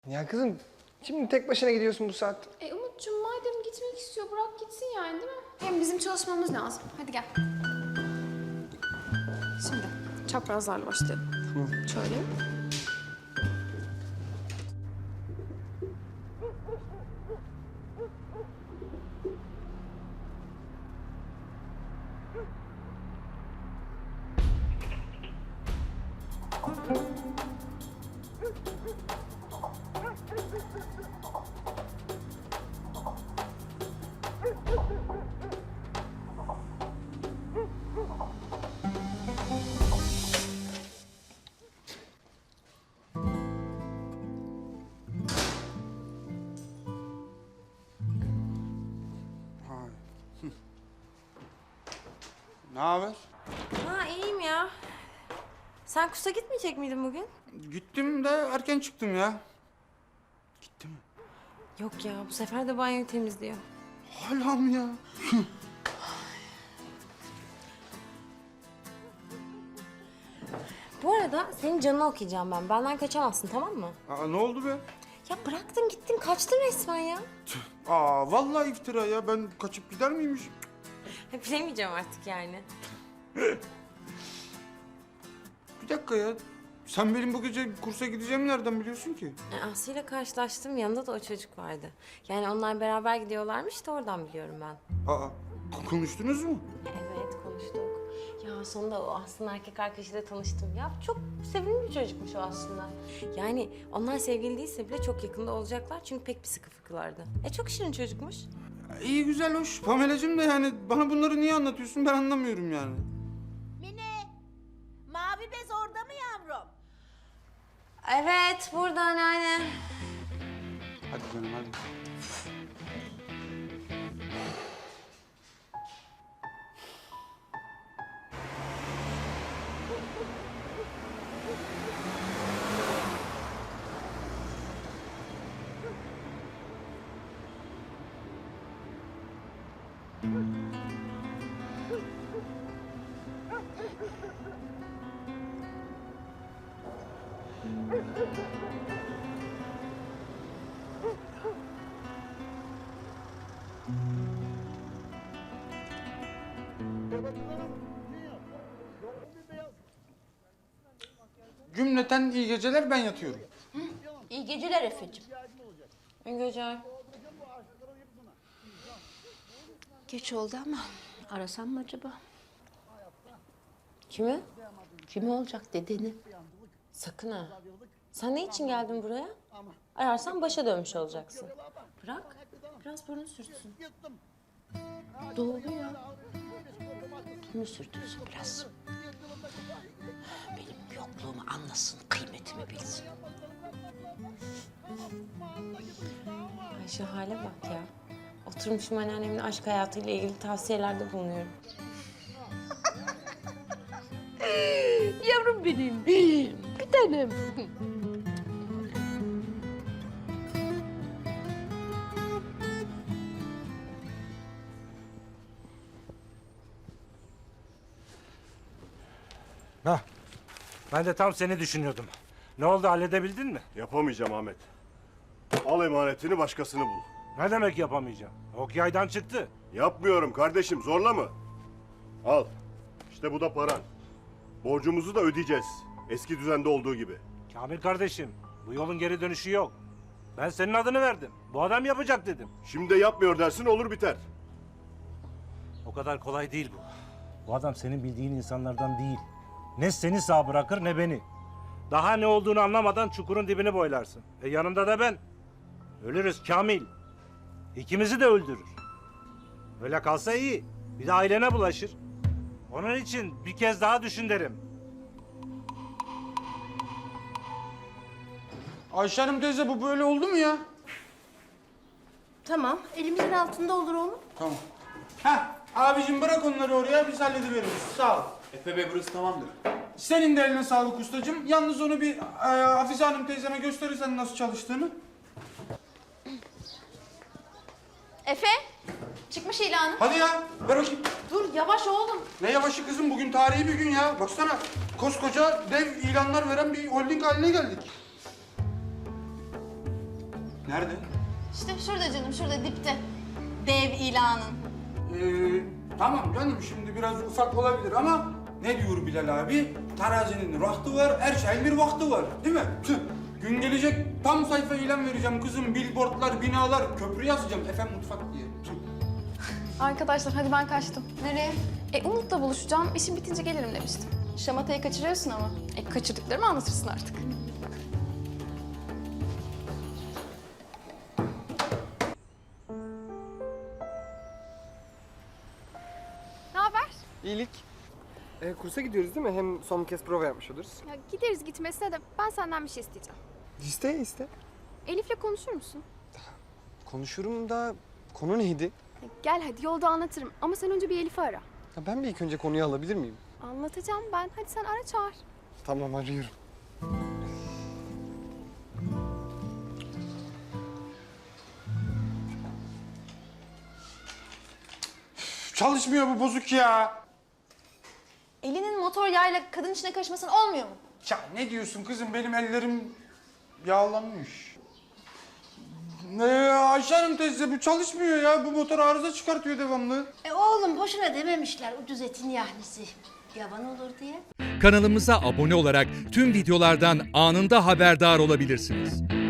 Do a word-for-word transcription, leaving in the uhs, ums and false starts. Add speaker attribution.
Speaker 1: Ya kızım, şimdi tek başına gidiyorsun bu saat.
Speaker 2: E Umut'cum madem gitmek istiyor bırak gitsin yani değil mi? Hem bizim çalışmamız lazım. Hadi gel. Şimdi çaprazlarla başlayalım.
Speaker 1: Hı.
Speaker 2: Şöyle.
Speaker 3: Ne haber?
Speaker 4: Ha iyiyim ya. Sen kursa gitmeyecek miydin bugün?
Speaker 3: Gittim de erken çıktım ya. Gitti mi?
Speaker 4: Yok ya bu sefer de banyoyu temizliyor.
Speaker 3: Hala mı ya?
Speaker 4: Bu arada senin canını okuyacağım ben. Benden kaçamazsın tamam mı?
Speaker 3: Aa, ne oldu be?
Speaker 4: Ya bıraktın gittin kaçtın resmen ya.
Speaker 3: Aa vallahi iftira ya. Ben kaçıp gider miymiş?
Speaker 4: Ha, bilemeyeceğim artık yani.
Speaker 3: Bir dakika ya. Sen benim bu gece kursa gideceğimi nereden biliyorsun ki?
Speaker 4: E, Aslı ile karşılaştım yanında da o çocuk vardı. Yani onlar beraber gidiyorlarmış da oradan biliyorum ben.
Speaker 3: Aa k- konuştunuz mu?
Speaker 4: Evet konuştuk. Ya sonunda o Aslı'nın erkek arkadaşıyla tanıştım. Ya çok sevimli bir çocukmuş o aslında. Yani onlar sevgili değilse bile çok yakında olacaklar çünkü pek bir sıkı fıkılardı. E çok şirin çocukmuş.
Speaker 3: İyi güzel hoş. Pamela'cığım da yani bana bunları niye anlatıyorsun ben anlamıyorum yani.
Speaker 5: Mine, mavi bez orada mı yavrum?
Speaker 4: Evet burada anneanne.
Speaker 3: Hadi canım hadi. Cümleten iyi geceler ben yatıyorum.
Speaker 5: İyi geceler Efe'cim.
Speaker 4: İyi geceler.
Speaker 5: Geç oldu ama arasam mı acaba?
Speaker 4: Kimi?
Speaker 5: Kim olacak dedeni?
Speaker 4: Sakın ha. Sen ne için geldin buraya? Ararsan başa dönmüş olacaksın. Bırak. Biraz burnu sürtsün.
Speaker 5: Doğru ya. Bunu sürtünsün biraz. Benim yokluğumu anlasın, kıymetimi bilsin.
Speaker 4: Ay şu hale bak ya. Oturmuşum anneannemin aşk hayatıyla ilgili tavsiyelerde bulunuyorum.
Speaker 5: Yavrum benim, bir tanem.
Speaker 6: Hah, ben de tam seni düşünüyordum. Ne oldu, halledebildin mi?
Speaker 7: Yapamayacağım Ahmet. Al emanetini başkasını bul.
Speaker 6: Ne demek yapamayacağım? Ok yaydan çıktı.
Speaker 7: Yapmıyorum kardeşim, zorla mı? Al. İşte bu da paran. Borcumuzu da ödeyeceğiz. Eski düzende olduğu gibi.
Speaker 6: Kamil kardeşim, bu yolun geri dönüşü yok. Ben senin adını verdim. Bu adam yapacak dedim.
Speaker 7: Şimdi de yapmıyor dersin olur biter.
Speaker 6: O kadar kolay değil bu. Bu adam senin bildiğin insanlardan değil. Ne seni sağ bırakır ne beni. Daha ne olduğunu anlamadan çukurun dibini boylarsın. E yanında da ben. Ölürüz Kamil. İkimizi de öldürür. Öyle kalsa iyi. Bir de ailene bulaşır. Onun için bir kez daha düşün derim.
Speaker 3: Ayşe Hanım teyze bu böyle oldu mu ya?
Speaker 5: Tamam, elimizin altında olur oğlum.
Speaker 3: Tamam. Heh abicim bırak onları oraya biz hallediveririz. Sağ ol.
Speaker 8: Efe Bey burası tamamdır.
Speaker 3: Senin de eline sağlık ustacığım. Yalnız onu bir e, Hafize Hanım teyzeme gösterirsen nasıl çalıştığını.
Speaker 2: Efe çıkmış ilanı.
Speaker 3: Hadi ya ver bakayım.
Speaker 2: Dur yavaş oğlum.
Speaker 3: Ne yavaşı kızım bugün tarihi bir gün ya. Baksana koskoca dev ilanlar veren bir holding haline geldik. Nerede?
Speaker 5: İşte şurada canım, şurada dipte. Dev ilanın.
Speaker 3: Ee, tamam canım şimdi biraz ufak olabilir ama ne diyor Bilal abi? Terazinin vakti var, her şeyin bir vakti var değil mi? Tüh, gün gelecek tam sayfa ilan vereceğim kızım. Billboardlar, binalar, köprü yazacağım efendim mutfak diye. Tüh.
Speaker 2: Arkadaşlar hadi ben kaçtım. Nereye? E Umut'la buluşacağım. İşim bitince gelirim demiştim. Şamatayı kaçırıyorsun ama. E kaçırdıklarımı anlatırsın artık. Ne haber?
Speaker 1: İyilik. E, kursa gidiyoruz değil mi? Hem son kez prova yapmış oluruz.
Speaker 2: Ya gideriz gitmesine de ben senden bir şey isteyeceğim.
Speaker 1: İste iste.
Speaker 2: Elif'le konuşur musun?
Speaker 1: Konuşurum da konu neydi?
Speaker 2: Ya gel hadi yolda anlatırım ama sen önce bir Elif'i ara.
Speaker 1: Ya ben bir ilk önce konuyu alabilir miyim?
Speaker 2: Anlatacağım ben. Hadi sen ara çağır.
Speaker 1: Tamam arıyorum.
Speaker 3: Çalışmıyor bu bozuk ya.
Speaker 5: Elinin motor yağıyla kadın içine karışmasın olmuyor mu?
Speaker 3: Ya ne diyorsun kızım benim ellerim yağlanmış. Ne Ayşe Hanım teyze bu çalışmıyor ya. Bu motor arıza çıkartıyor devamlı.
Speaker 8: E oğlum boşuna dememişler ucuz etin yahnisi. Yavan olur diye.
Speaker 9: Kanalımıza abone olarak tüm videolardan anında haberdar olabilirsiniz.